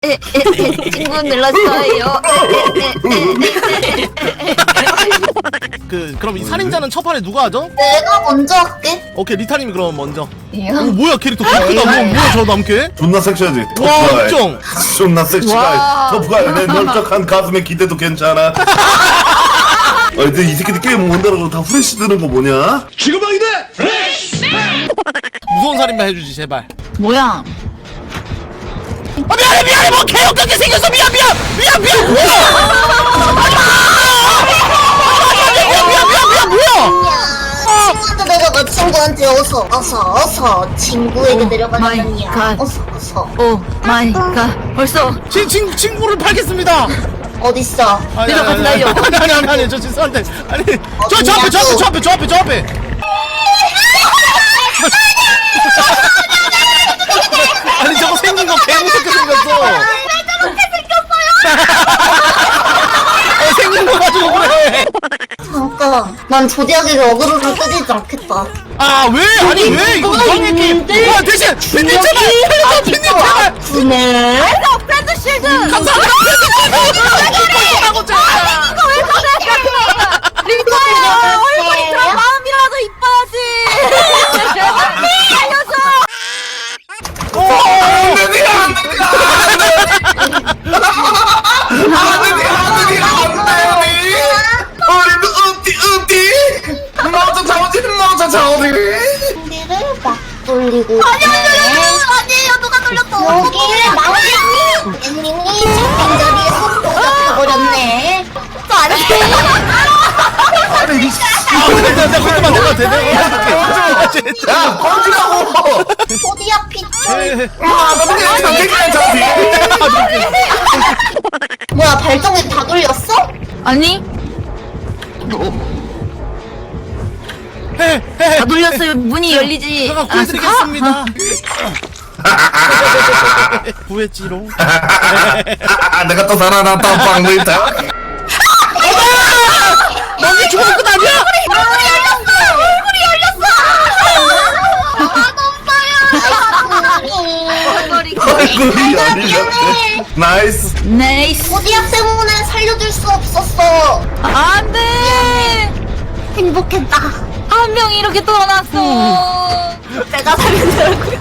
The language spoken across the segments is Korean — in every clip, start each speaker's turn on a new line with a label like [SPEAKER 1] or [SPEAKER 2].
[SPEAKER 1] 친구 눌렀어요.
[SPEAKER 2] 그럼 이 살인자는 첫 판에 누가 하죠?
[SPEAKER 3] 내가 먼저 할게.
[SPEAKER 2] 오케이 리타님이 그럼 먼저.
[SPEAKER 1] 예.
[SPEAKER 2] 오 뭐야 캐릭터 크다. 뭐야 저 남캐?
[SPEAKER 4] 존나 섹시하지.
[SPEAKER 2] 와 엄청.
[SPEAKER 4] 존나 섹시가. 터프가 내 널쩍한 가슴에 기대도 괜찮아. 근데 이 새끼들 게임 못한다고 다 후레쉬 드는 거 뭐냐? 지금방이네.
[SPEAKER 2] 무서운 살인마 해주지 제발.
[SPEAKER 1] 뭐야?
[SPEAKER 2] 미안해 뭐 개역같게 생겼어 미안 뭐야
[SPEAKER 3] 친구한테 내려가. 친구한테 어서 친구에게 내려가는 이야.
[SPEAKER 1] 마이 갓.
[SPEAKER 3] 어서.
[SPEAKER 1] 오 마이 갓. 벌써
[SPEAKER 2] 친구를 팔겠습니다.
[SPEAKER 3] 어딨어?
[SPEAKER 1] 내려간다요.
[SPEAKER 2] 아니 저 죄송한데 아니 저 앞에 아니 저거 생긴 거 개무섭게 생겼어. 생긴 거 가지고 그래.
[SPEAKER 3] 잠깐. 난 조디하게 어그로를 끄지지 않겠다.
[SPEAKER 2] 아 왜? 아니 왜 이거 이상한 게임. 와 대신 빈님 제발. 빈님 제발.
[SPEAKER 3] 그네.
[SPEAKER 1] 프렌드 실드.
[SPEAKER 2] 감사합니다. 하고 제발.
[SPEAKER 1] 리타야 얼굴이 그런 마음이라도 이뻐야지. 알려줘.
[SPEAKER 3] 준비를 막 돌리고.
[SPEAKER 1] 아니에요 누가 돌렸어?
[SPEAKER 3] 여기를 앵님이 잡힌 자리에서 도착해버렸네.
[SPEAKER 1] 또 아니에요.
[SPEAKER 2] 내가 그때만 내가 돼.
[SPEAKER 4] 야 꺼지라고.
[SPEAKER 3] 조디야 피처. 뭐야 발정기 다 돌렸어?
[SPEAKER 1] 아니 다 돌렸어요. 문이 열리지.
[SPEAKER 2] 제가 구해드리겠습니다. 구했지롱.
[SPEAKER 4] 내가 또 살아났다 빵물다.
[SPEAKER 2] 너네 죽으면 끝 아니야?
[SPEAKER 4] 얼굴이 열렸대. 나이스.
[SPEAKER 1] 네이스.
[SPEAKER 3] 조디야 때문에 살려줄 수 없었어.
[SPEAKER 1] 안돼.
[SPEAKER 3] 행복했다.
[SPEAKER 1] 한 명이 이렇게 떠났어.
[SPEAKER 3] 내가 살려주라고요?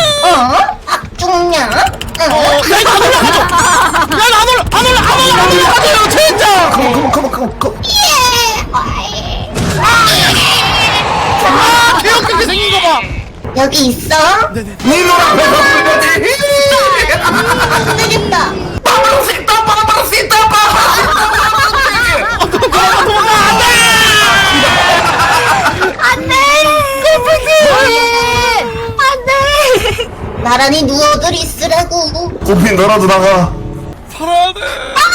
[SPEAKER 3] 죽냐?
[SPEAKER 2] 야 이거 안 올라가죠? 안 올라가요 진짜.
[SPEAKER 4] 컴온.
[SPEAKER 2] 개역같게 생긴 거 봐.
[SPEAKER 3] 여기 있어?
[SPEAKER 2] 네네.
[SPEAKER 4] 니 노랑
[SPEAKER 3] 안 되겠다. 나란히 누워들 있으라고.
[SPEAKER 4] 고핀 너라도 나가.
[SPEAKER 2] 살아야 돼.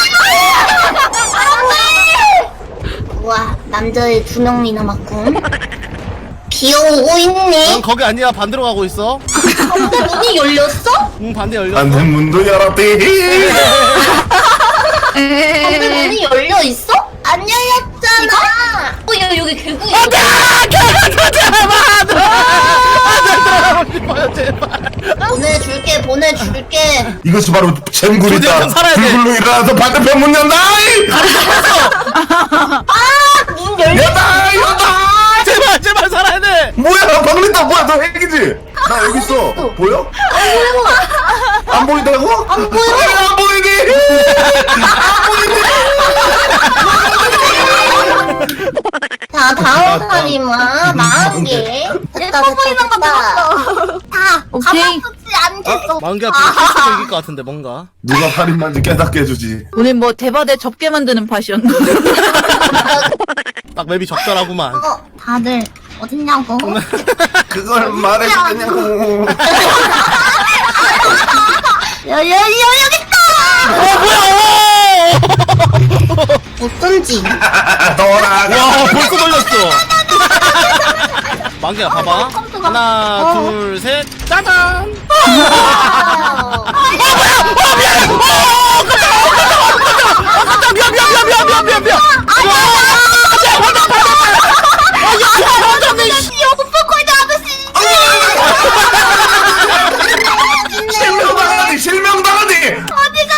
[SPEAKER 3] 우와 남자애 2명이 남았군. 비오고 있네.
[SPEAKER 2] 넌 거기 아니야 반대로 가고 있어.
[SPEAKER 3] 근데 문이 열렸어?
[SPEAKER 2] 응 반대 열렸어.
[SPEAKER 4] 안돼 문도 열었대.
[SPEAKER 3] 근데 문이 열려 있어? 안 열렸잖아. 야 여기 개구이. 보내줄게.
[SPEAKER 4] 이것이 바로 잼굴이다.
[SPEAKER 2] 조디한테 살아야 돼.
[SPEAKER 4] 불굴로 일어나서 반대편 문 연다.
[SPEAKER 3] 문 열려.
[SPEAKER 4] 연다.
[SPEAKER 2] 제발 살아야 돼.
[SPEAKER 4] 뭐야 박린다. 뭐야 너 핵이지? 나 여기 있어. 보여? 안 보인다고?
[SPEAKER 3] 안 보여.
[SPEAKER 4] 안 보이니?
[SPEAKER 3] 자 다음 살인마 40개. 됐다. 다
[SPEAKER 1] 오케이.
[SPEAKER 3] 가만두지 않겠어.
[SPEAKER 2] 만개 앞에 실수로 이길 것 같은데 뭔가.
[SPEAKER 4] 누가 살인마인지 깨닫게 해주지.
[SPEAKER 1] 오늘 뭐 대바대 접게 만드는 팟이었나?
[SPEAKER 2] 딱 맵이 적절하구만.
[SPEAKER 3] 다들 어딨냐고.
[SPEAKER 4] 그걸 말해주겠냐고.
[SPEAKER 3] 여기 있다.
[SPEAKER 2] 뭐야?
[SPEAKER 3] 어쩐지.
[SPEAKER 4] 돌아가.
[SPEAKER 2] 와 벌써 걸렸어. 만개야 봐봐. 하나 둘 셋 짜잔. 미안.
[SPEAKER 4] 실명당하니.
[SPEAKER 3] 어디가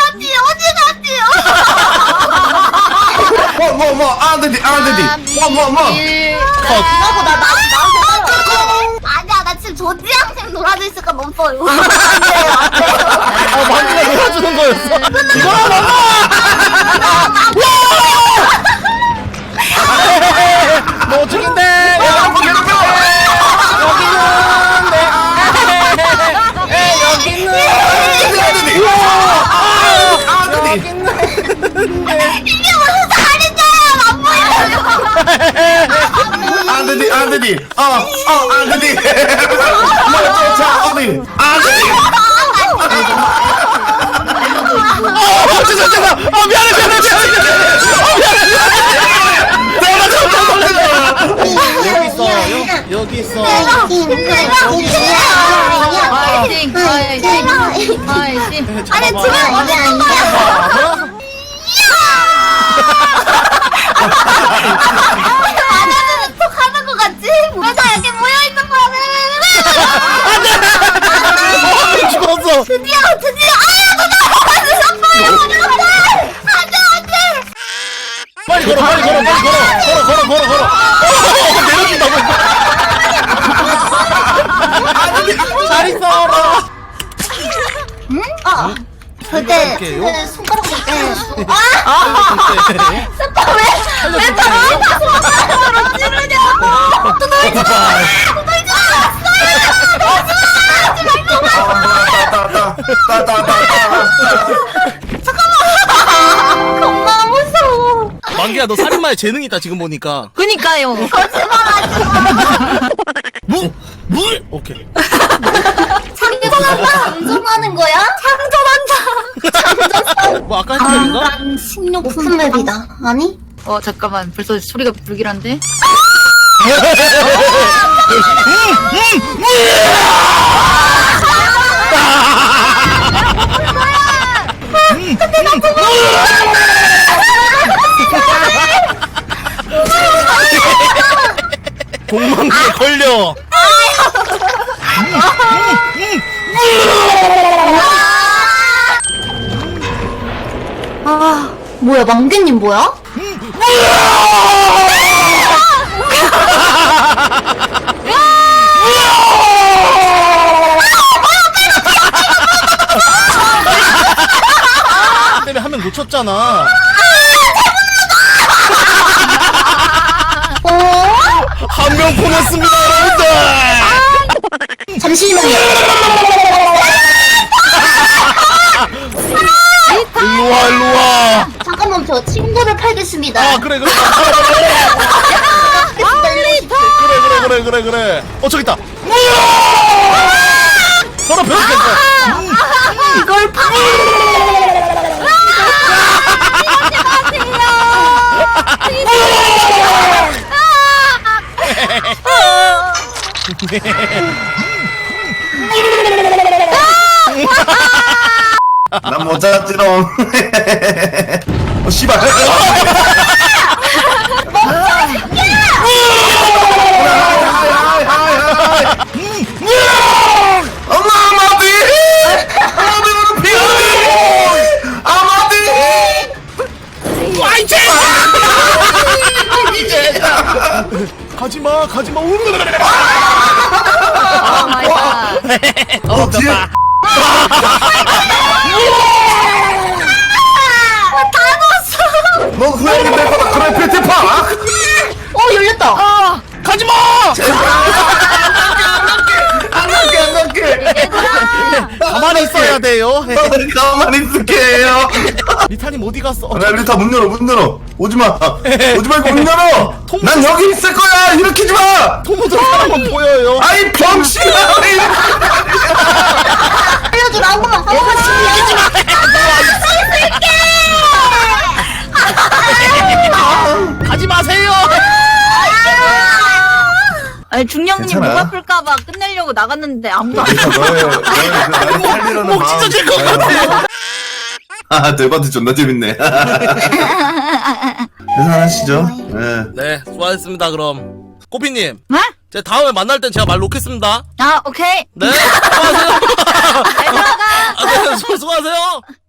[SPEAKER 4] 안되디 뭐
[SPEAKER 3] 이거고 나 아니야 나 지금 조지양생 놀아줘 있을까 멈춰요. 안돼요 안돼요.
[SPEAKER 2] 만두가 놀아주는 거였어. 이거라 넘어. 너 죽인데.
[SPEAKER 3] 이게 무슨 살인자야 안 보여.
[SPEAKER 4] 안되디 안되디 자 어디 안되디
[SPEAKER 2] 죄송. 미안해. 여기 있어.
[SPEAKER 3] 아니 지금 어디 아니야? 안하는 척 하는 것 같지? 왜 다 여기 모여있는 거야?
[SPEAKER 2] 죽었어.
[SPEAKER 3] 드디어 아야 누나 안돼
[SPEAKER 2] 빨리 걸어. 내려준다고. 잘 있어라.
[SPEAKER 3] 그때 손가락으로 때렸어. 왜 다 손가락으로 찌르냐고. 또 놀지 겁나 무서워.
[SPEAKER 2] 만기야 너 살인마에 재능 있다 지금 보니까.
[SPEAKER 1] 그니까요.
[SPEAKER 3] 거짓말하지 마.
[SPEAKER 2] 물. 오케이.
[SPEAKER 3] 창조한다. 장전하는 거야? 창조한다.
[SPEAKER 2] 뭐 아까 했던 얘기인가?
[SPEAKER 3] 식료품 맵이다. 아니?
[SPEAKER 1] 잠깐만. 벌써 소리가 불길한데?
[SPEAKER 2] 공망기에 걸려.
[SPEAKER 3] 뭐야, 망개님 뭐야?
[SPEAKER 2] 때문에 한 명 놓쳤잖아. 한 명 보냈습니다, 여러분들.
[SPEAKER 3] 잠시만요.
[SPEAKER 2] 일로와.
[SPEAKER 3] 잠깐만, 저 친구를 팔겠습니다.
[SPEAKER 2] 아, 그래. 그래. 저기 있다. 서로 배웠겠어.
[SPEAKER 3] 이걸 파.
[SPEAKER 4] 난 못 찾았지롱. 씨발. 엄마 아마디.
[SPEAKER 2] 가지마.
[SPEAKER 1] 오 마이 갓.
[SPEAKER 4] 뒤에. 너 후회하게 될 거다. 그래 페트파.
[SPEAKER 3] 열렸다.
[SPEAKER 2] 가지마.
[SPEAKER 4] 안 갈게.
[SPEAKER 2] 가만히 있어야 돼요.
[SPEAKER 4] 가만히 있을게요.
[SPEAKER 2] 리타님 어디 갔어?
[SPEAKER 4] 야, 리타 문 열어. 오지 말고 문 열어. 난 여기 있을 거야. 일으키지 마.
[SPEAKER 2] 토모도 사람만 보여요.
[SPEAKER 4] 아이 병신아.
[SPEAKER 3] 알려줘, 나 한 번만.
[SPEAKER 2] 가지 마세요.
[SPEAKER 1] 아니 중령님
[SPEAKER 4] 괜찮아.
[SPEAKER 1] 목 아플까봐 끝내려고 나갔는데 아무도 안
[SPEAKER 4] 리타 너의 살리려는
[SPEAKER 2] 목 찢어질 것 같아.
[SPEAKER 4] 아, 대바트 존나 재밌네. 계산하시죠. 네.
[SPEAKER 2] 네, 수고하셨습니다. 그럼 꼬피님,
[SPEAKER 1] 네?
[SPEAKER 2] 제 다음에 만날 땐 제가 말 놓겠습니다.
[SPEAKER 1] 아 오케이.
[SPEAKER 2] 네, 수고하세요.
[SPEAKER 1] 잘 들어가.
[SPEAKER 2] 아, 네, 수고하세요.